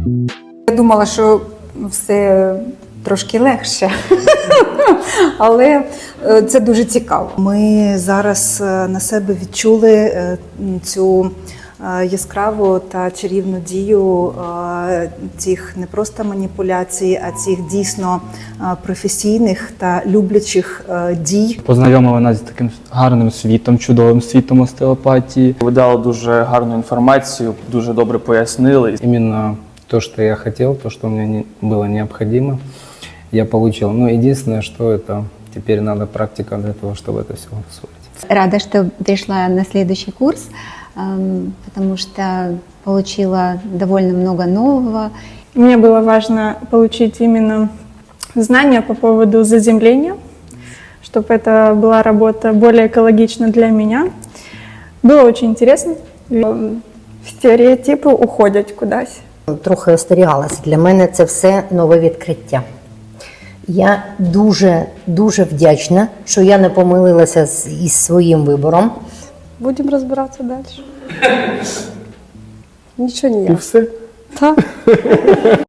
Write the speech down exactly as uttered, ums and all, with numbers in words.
Я думала, що все трошки легше, але це дуже цікаво. Ми зараз на себе відчули цю яскраву та чарівну дію цих не просто маніпуляцій, а цих дійсно професійних та люблячих дій. Познайомили нас з таким гарним світом, чудовим світом остеопатії. Ви дали дуже гарну інформацію, дуже добре пояснили. Именно то, что я хотел, то, что мне не, было необходимо, я получил. Но единственное, что это теперь надо практика для того, чтобы это все усвоить. Рада, что пришла на следующий курс, потому что получила довольно много нового. Мне было важно получить именно знания по поводу заземления, чтобы это была работа более экологична для меня. Было очень интересно. Стереотипи уходять кудись. Трохи остерігалася. Для мене це все нове відкриття. Я дуже, дуже вдячна, що я не помилилася з, із своїм вибором. Будемо розбиратися далі. Нічого І ніяк. все? Так.